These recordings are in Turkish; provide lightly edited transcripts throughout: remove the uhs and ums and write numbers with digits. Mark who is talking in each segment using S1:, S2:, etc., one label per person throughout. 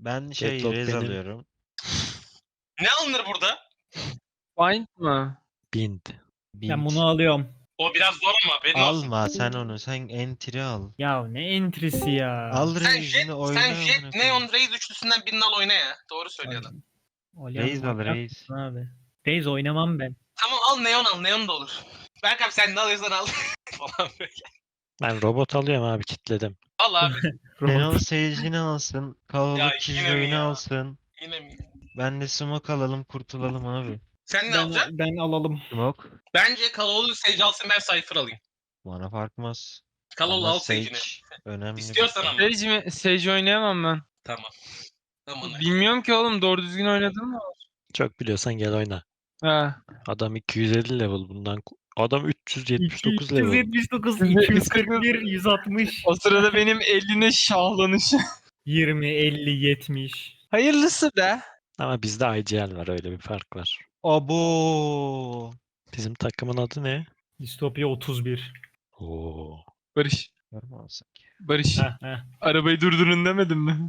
S1: Ben
S2: Deadlock
S1: Raze
S2: benim.
S1: alıyorum.
S3: Ne alınır burada?
S4: Find mı?
S2: Bind.
S5: Ben bunu alıyorum.
S3: O biraz zor ama benim olsun.
S1: Alma sen onu. Sen entry al.
S5: Ya ne entrisi ya.
S1: Al
S3: Sen
S1: Raze'ini
S3: Jet,
S1: oyna.
S3: sen
S1: amına
S3: Jet,
S1: koyayım.
S3: Neon, Raze üçlüsünden birini al oyna ya. Doğru söylüyor adam.
S1: Raze al Raze.
S5: Abi. Raze oynamam ben.
S3: Tamam al Neon al. Neon da olur. Berk abi sen ne alıyorsan al. Falan böyle.
S2: Ben robot alıyorum abi, kitledim.
S3: Al abi.
S1: Neon Sage'ini alsın.
S3: Ya
S1: Kalabalık
S3: yine mi
S1: Killjoy'unu
S3: ya?
S1: alsın.
S3: Yine mi?
S1: Ben de smoke alalım kurtulalım abi.
S3: Sen ne alacaksın?
S5: Ben alalım.
S1: Smoke.
S3: Bence Kalaoğlu Sage alsın, ben Cypher alayım.
S1: Bana farkmaz.
S3: Kalaoğlu
S1: Ama
S3: al Sage'ini.
S1: önemli.
S3: İstiyorsan ama.
S4: Sage mi? Sage oynayamam ben.
S3: Tamam. Tamam.
S4: Bilmiyorum ki oğlum, doğru düzgün oynadın mı?
S2: Çok biliyorsan gel oyna.
S4: Ha.
S2: Adam 250 level bundan. Adam 379 level.
S5: 279, 241, 160,
S4: O sırada benim eline şahlanışı.
S5: 20, 50, 70.
S4: Hayırlısı be.
S2: Ama bizde IGL var, öyle bir fark var.
S1: Abo.
S2: Bizim takımın adı ne?
S5: Distopya 31.
S2: Oo.
S4: Barış.
S1: Görme alsak.
S4: Barış.
S5: Heh.
S4: Arabayı durdurun demedim mi?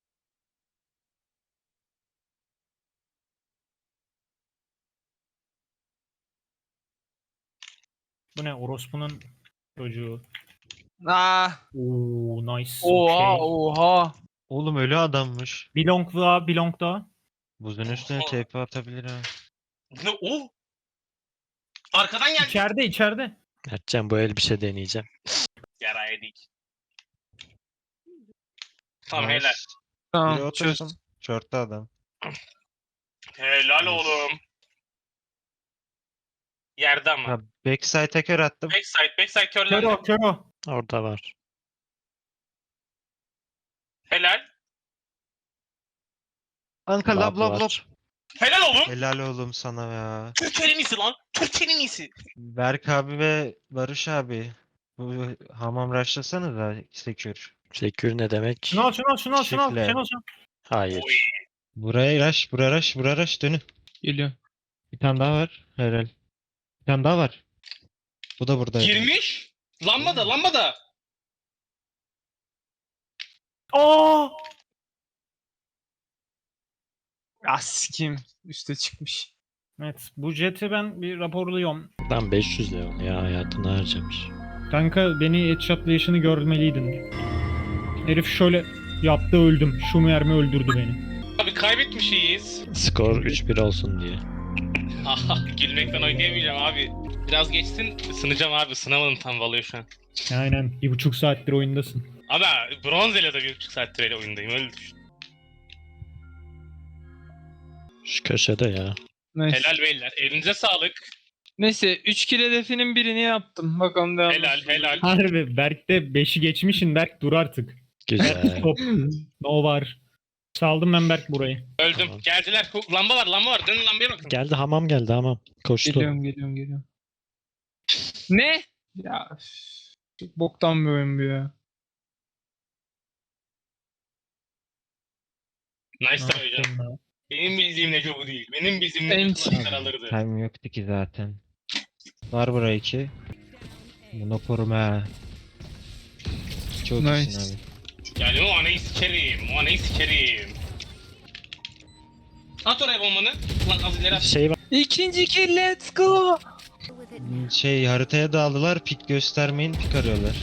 S5: Bu ne? Orospu'nun çocuğu.
S4: Aa.
S5: Oo nice.
S4: Oha
S5: Okay.
S4: oha.
S1: Oğlum ölü adammış.
S5: Belong daha, belong daha.
S1: Buzun üstüne TP atabilir ha.
S3: Ne o? Arkadan geldi.
S5: İçeride.
S2: Mertcan, bu el bir şey deneyeceğim.
S3: Yara yedik. Tamam
S1: Nice.
S3: helal.
S1: Biri
S4: Tamam çöz.
S1: otursun. Short'ta adam.
S3: Helal oğlum. Yerde ama.
S1: Ha, backside'e kör attım.
S3: Backside körlendi.
S5: Kero.
S2: Orada var.
S3: Helal.
S1: Anka lab lab lab.
S2: var.
S3: Helal oğlum.
S1: Helal oğlum sana ya.
S3: Türkiye'nin iyisi lan. Türkiye'nin iyisi.
S1: Berk abi ve Barış abi. Bu hamam rushlasana da sekür.
S2: Secure ne demek?
S5: Şunu al.
S1: Şifle.
S5: Şunu al.
S2: Hayır.
S3: Oy.
S1: Buraya rush dönün.
S4: Geliyor.
S1: Bir tane daha var. Helal. Bir tane daha var. Bu da burada.
S3: Girmiş. Lambada.
S5: Aa!
S4: Askim. Üste çıkmış.
S5: Evet, bu jeti ben bir raporluyorum.
S2: Lan 500 level ya, hayatını harcamış.
S5: Kanka beni headshotlayışını görmeliydin. Herif şöyle yaptı, öldüm. Şu mermi öldürdü beni.
S3: Abi kaybetmişiz.
S2: Skor 3-1 olsun diye.
S3: Aha gülmekten oynayamayacağım abi. Biraz geçsin ısınacağım abi. Isınamadım tam valıyor şu an.
S5: Aynen, 1,5 saattir oyundasın.
S3: Abi bronzele de 1,5 saattir öyle oyundayım öyle düşün.
S2: Şu köşede ya.
S4: Neyse.
S3: Helal beyler. Elinize sağlık.
S4: Neyse 3 kill hedefinin birini yaptım. Bakalım devam.
S3: Helal.
S5: Harbi, Berk'te 5'i geçmişsin, Berk dur artık.
S2: Güzel.
S5: Top, no var. Saldım ben Berk burayı.
S3: Öldüm.
S2: Tamam.
S3: Geldiler. Lamba var. Dönün lambaya bakın.
S2: Geldi, hamam geldi, hamam. Koştu.
S4: Geliyorum. Ne? Ya üf, çok boktan bir oyun bu ya.
S3: Nice
S5: Ne
S3: try hocam.
S5: yaptın lan?
S3: Benim bildiğim Neco bu değil. Benim bildiğim
S4: En-
S3: Neco maçlar alırdı.
S1: Time yoktu ki zaten. Var buraya 2. Bunu koruma ha. Çok
S4: Nice.
S1: iyisin abi.
S3: Yani o anayı sikerim. At oraya bombanı. Lan az ileri at.
S2: Şey var.
S4: İkinci kill, let's go.
S1: Haritaya dağıldılar. Pik göstermeyin, pik arıyorlar.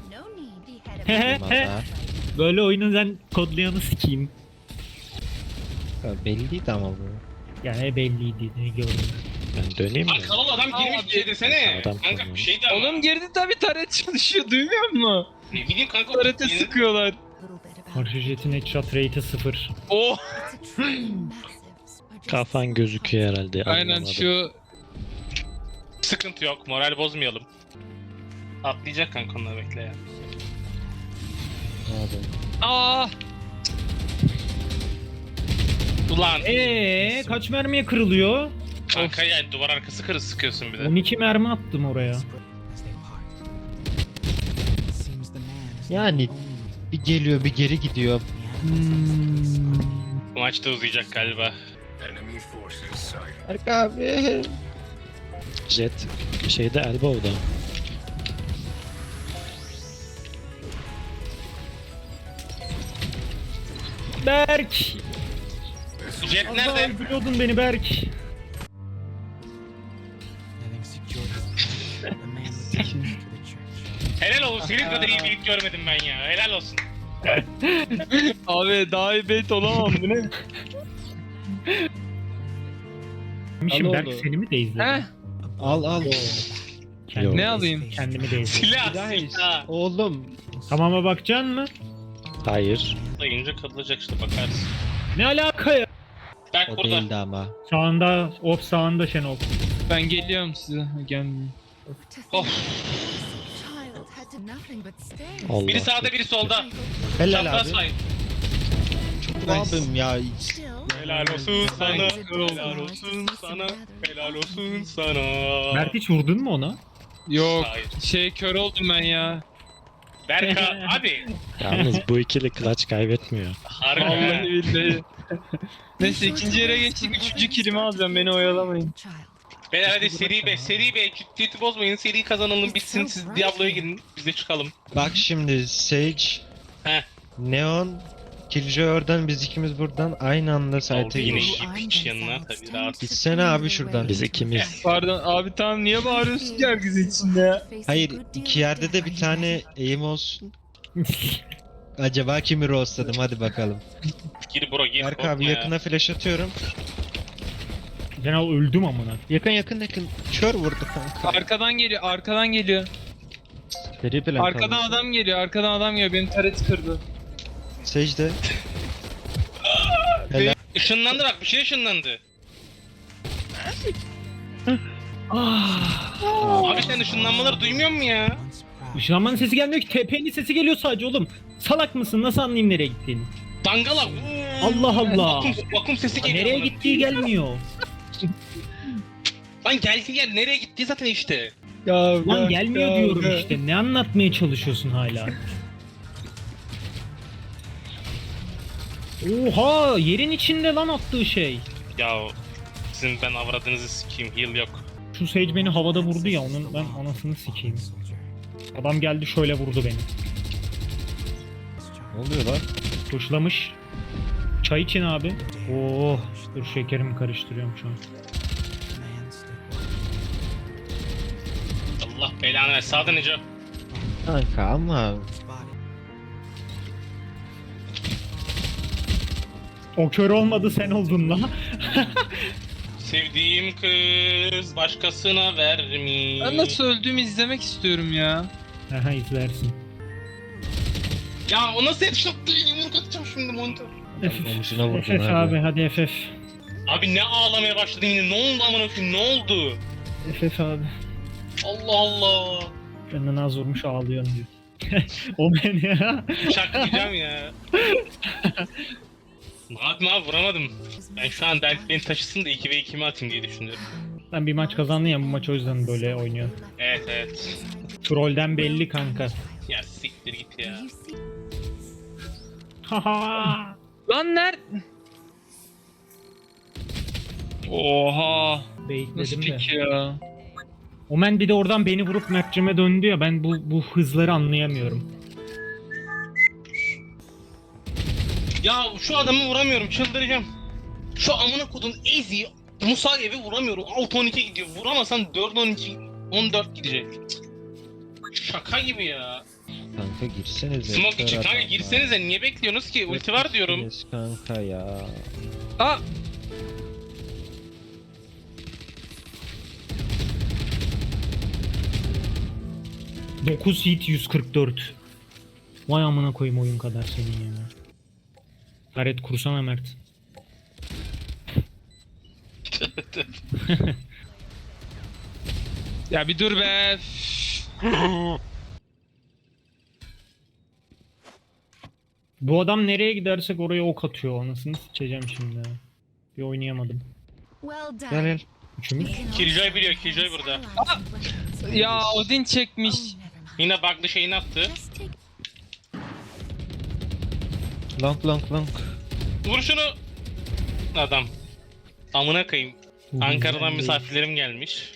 S1: Olmaz
S5: Böyle oyunun sen kodlayanı sikeyim.
S1: ha. Belliydi ama bu.
S5: Yani belliydi, ne gördüm.
S2: Ben döneyim mi?
S3: Lan kalol adam girmiş bir şey desene.
S2: Adam
S3: Kanka
S2: kalıyor.
S3: bir şey de ama.
S4: Oğlum girdi tabi, taret çalışıyor, duymuyor musun?
S3: Ne bileyim kanka.
S4: Tarete
S3: yeni-
S4: sıkıyorlar.
S5: Karşı jetin headshot rate'i 0.
S4: Oh.
S2: Kafan gözüküyor herhalde.
S4: Aynen
S2: anlamadım.
S4: şu.
S3: Sıkıntı yok. Moral bozmayalım. Atlayacak kanka onları bekle ya.
S1: Abi.
S4: Aa.
S3: Ulan.
S5: Kaç mermiye kırılıyor?
S3: Kanka yani duvar arkası kırı sıkıyorsun bir de.
S5: 12 mermi attım oraya.
S1: Yani bir geliyor bir geri gidiyor.
S3: Bu maç da uzayacak galiba.
S1: Berk abi.
S2: Jet şeyde, elbow'da.
S5: Berk!
S3: Jet
S5: Az daha
S3: nerede?
S5: öldürüyordun beni Berk.
S3: Helal olsun. Senin kadar iyi bir ilk görmedim ben ya. Helal olsun.
S4: Abi daha iyi bait olamam bu ne?
S5: Şimdi
S1: Al
S5: Berk
S1: oldu.
S5: seni mi de izledin?
S4: Heh,
S1: Al.
S5: Kendimi,
S4: ne alayım?
S5: kendimi de izledim.
S3: Silah
S1: Guys,
S3: silah.
S1: oğlum.
S5: Tamama bakacaksın mı?
S2: Hayır.
S3: Dayınca katılacak işte bakarsın.
S5: Ne alaka ya?
S3: Berk
S1: O
S3: burada.
S1: değildi ama.
S5: Sağında, sağında Şenol.
S4: Ben geliyorum size. Gelmiyorum.
S3: Of.
S2: Allah.
S3: Biri sağda biri solda.
S1: Helal
S3: Çapraz
S1: abi.
S3: fight.
S1: Çok abim ya.
S3: Helal olsun sana. Helal olsun sana. Helal olsun sana.
S5: Mert hiç vurdun mu ona?
S4: Yok.
S3: Hayır.
S4: Kör oldum ben ya.
S3: Berka abi.
S2: Yalnız bu ikili clutch kaybetmiyor.
S3: Harbi.
S4: Vallahi billahi. Neyse ikinci yere geçtik. Üçüncü kilimi alacağım. Beni oyalamayın.
S3: Beyler hadi seri be. Seri be. Ciddiyeti bozmayın. Seri kazanalım bitsin. Siz Diablo'ya girin. Biz de çıkalım.
S1: Bak şimdi Sage,
S3: Heh.
S1: Neon, Killjoy oradan, biz ikimiz buradan aynı anda site'e
S3: Oldu yine
S1: giriyoruz.
S3: iyi piç yanına tabii rahat.
S1: Gitsene abi şuradan.
S2: Biz ikimiz.
S4: Pardon abi tamam niye bağırıyorsun ki herkes içinde ya?
S1: Hayır, iki yerde de bir tane aim olsun. Acaba kimi roastladım, hadi bakalım.
S3: Gir bro gir.
S1: Berk
S3: korkma
S1: abi
S3: ya.
S1: yakına flash atıyorum.
S5: Şenol öldüm amına.
S1: Yakın. Kör vurdu kanka.
S4: Arkadan geliyor. Arkadan geliyor.
S1: Seri plan
S4: Arkadan
S1: kaldı.
S4: adam geliyor. Arkadan adam geliyor. Benim taret kırdı.
S1: Sage de. Helal.
S3: Işınlandı bak bir şey ışınlandı. Abi sen ışınlanmaları duymuyor musun ya?
S5: Işınlanmanın sesi gelmiyor ki. TP'nin sesi geliyor sadece oğlum. Salak mısın? Nasıl anlayayım nereye gittiğini?
S3: Dangala.
S5: Allah Allah.
S3: Vakum sesi geliyor.
S5: Nereye
S3: bana.
S5: gittiği gelmiyor.
S3: Lan geldi yer nereye gitti zaten işte.
S4: Ya,
S5: Lan gelmiyor diyorum işte. Ne anlatmaya çalışıyorsun hala? Oha! Yerin içinde lan attığı şey.
S3: Ya sizin ben avradınızı sikeyim heal yok.
S5: Şu Sage beni havada vurdu ya, onun ben anasını sikeyim. Adam geldi şöyle vurdu beni.
S1: Ne oluyor lan?
S5: Tuşlamış. Çay için abi. Oh, dur şekerimi karıştırıyorum şu an.
S3: Allah belanı ver sağdan Neco.
S1: Kanka ama
S5: O kör olmadı, sen oldun la.
S3: Sevdiğim kız başkasına vermiş.
S4: Ben nasıl öldüğümü izlemek istiyorum ya.
S5: Aha, izlersin.
S3: Ya o nasıl headshot değil yumruk atacağım şimdi monitör.
S1: omzuna vurdun
S5: FF
S1: abi.
S5: abi, hadi FF.
S3: Abi ne ağlamaya başladın yine ne oldu amına koyayım ne oldu?
S5: FF abi.
S3: Allah Allah.
S5: Benden az vurmuş ağlıyorum diyor. O beni ya.
S3: Bıçaklayacağım ya. Ne yapayım abi vuramadım. Ben şu an Berk beni taşısın da 2v2'mi atayım diye düşünüyorum.
S5: Ben bir maç kazandım ya, bu maç o yüzden böyle oynuyor.
S3: Evet.
S5: Trollden belli kanka.
S3: Ya siktir git ya.
S5: Haha.
S4: Lan Oha. Nasıl
S5: Baitledim de.
S4: pik ya?
S5: Omen bir de oradan beni vurup Mert'cime döndü ya, ben bu hızları anlayamıyorum.
S3: Ya şu adamı vuramıyorum çıldıracağım. Şu amına kodun Ezi Musagev'i vuramıyorum. 6-12 gidiyor. Vuramasan 4-12 14 gidecek. Cık. Şaka gibi ya.
S1: Kanka girsenize.
S3: Smoke için
S1: kör
S3: kanka
S1: adam
S3: girsenize niye bekliyorsunuz ki? Ulti var diyorum.
S1: Girseniz kanka ya.
S4: Aa!
S5: Dokuz hit 144. Vay amına koyayım oyun kadar senin ya. Taret kursana Mert.
S4: Ya bir dur be.
S5: Bu adam nereye gidersek oraya ok atıyor, anasını sikeceğim şimdi ya. Bir oynayamadım.
S1: Gel.
S5: Üçümüz.
S3: Killjoy biliyor, Killjoy burada.
S4: Ya Odin çekmiş.
S3: Yine bug'lı şeyini attı.
S1: Long.
S3: Vur şunu. Adam. Amına koyayım. Ankara'dan misafirlerim gelmiş.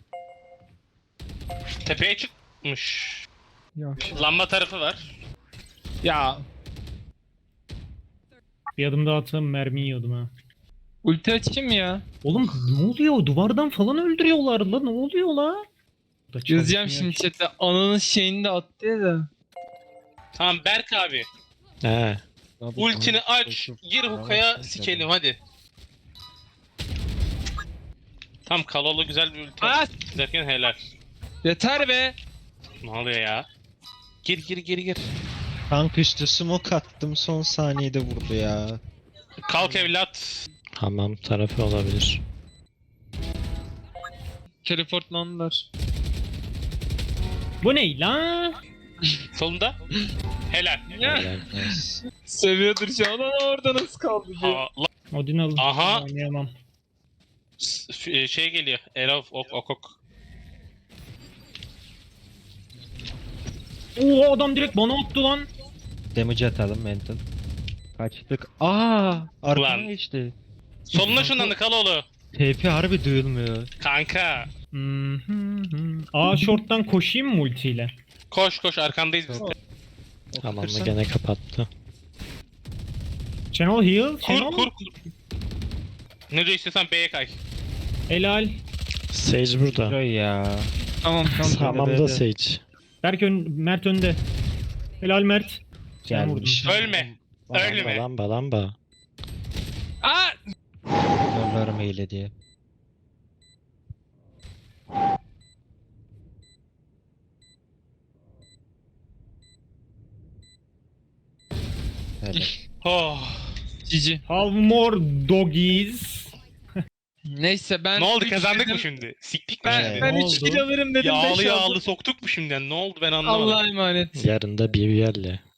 S3: Tepeye çıkmış.
S4: Yok.
S3: Lamba tarafı var.
S4: Ya
S5: Bir adım daha atsam mermi yiyordum ha.
S4: Ulti açayım mı ya?
S5: Oğlum ne oluyor? Duvardan falan öldürüyorlar la. Ne oluyor la? Da
S4: Yazacağım
S5: çalışmıyor
S4: şimdi
S5: ki.
S4: chat'e. Ananın şeyini de attı ya da.
S3: Tamam Berk abi.
S2: He.
S3: Ultini aç. Gir hukaya sikelim hadi. Tam kalalı güzel bir ulti.
S4: Aa!
S3: Derken helal.
S4: Yeter be.
S3: Ne oluyor ya? Gir.
S1: Tank üstü smoke attım son saniyede vurdu ya.
S3: Kalk evlat.
S2: Hamam tarafı olabilir.
S4: Teleportlandılar.
S5: Bu ne la?
S3: Solunda. Helal.
S4: Ya.
S2: Helal.
S1: Nice.
S4: Seviyordur şu an ama orada nasıl kaldı diye.
S3: Ha,
S5: Odin alın.
S3: Aha.
S5: Oynayamam.
S3: şey geliyor. Erof ok.
S5: Oo adam direkt bana attı lan.
S1: Damage atalım mental. Kaçtık. Aa, arkana
S3: Ulan.
S1: geçti.
S3: Soluna şundan da Kaloğlu.
S1: TP harbi duyulmuyor.
S3: Kanka.
S5: A short'tan koşayım mı ultiyle?
S3: Koş arkandayız biz.
S2: Hamamı
S1: Kırsan.
S2: gene kapattı.
S5: Channel heal. Channel.
S3: Kur. Ne diyor istiyorsan B'ye kay.
S5: Helal.
S2: Sage burada.
S1: Joy ya.
S4: Tamam.
S2: Hamamda Sage.
S5: Berk Mert önde. Helal Mert. Sen vurdun.
S1: Gelmiş.
S3: Ölme. Ölme.
S2: Lamba.
S4: Aa!
S1: Zorlarım eyle diye. Helal.
S3: Oh.
S4: Cici.
S5: Have more doggies.
S4: Neyse ben...
S3: Ne oldu
S4: üç
S3: kazandık
S4: dedim.
S3: mı şimdi? Siktik mi
S4: Ben,
S3: şimdi?
S4: ben
S5: Ne
S4: 3
S5: oldu?
S4: kilo alırım dedim. beş
S3: Yağlı
S4: aldım.
S3: soktuk mu şimdi? Ne oldu ben anlamadım.
S4: Allah'a emanet.
S2: Yarın da BBL'le.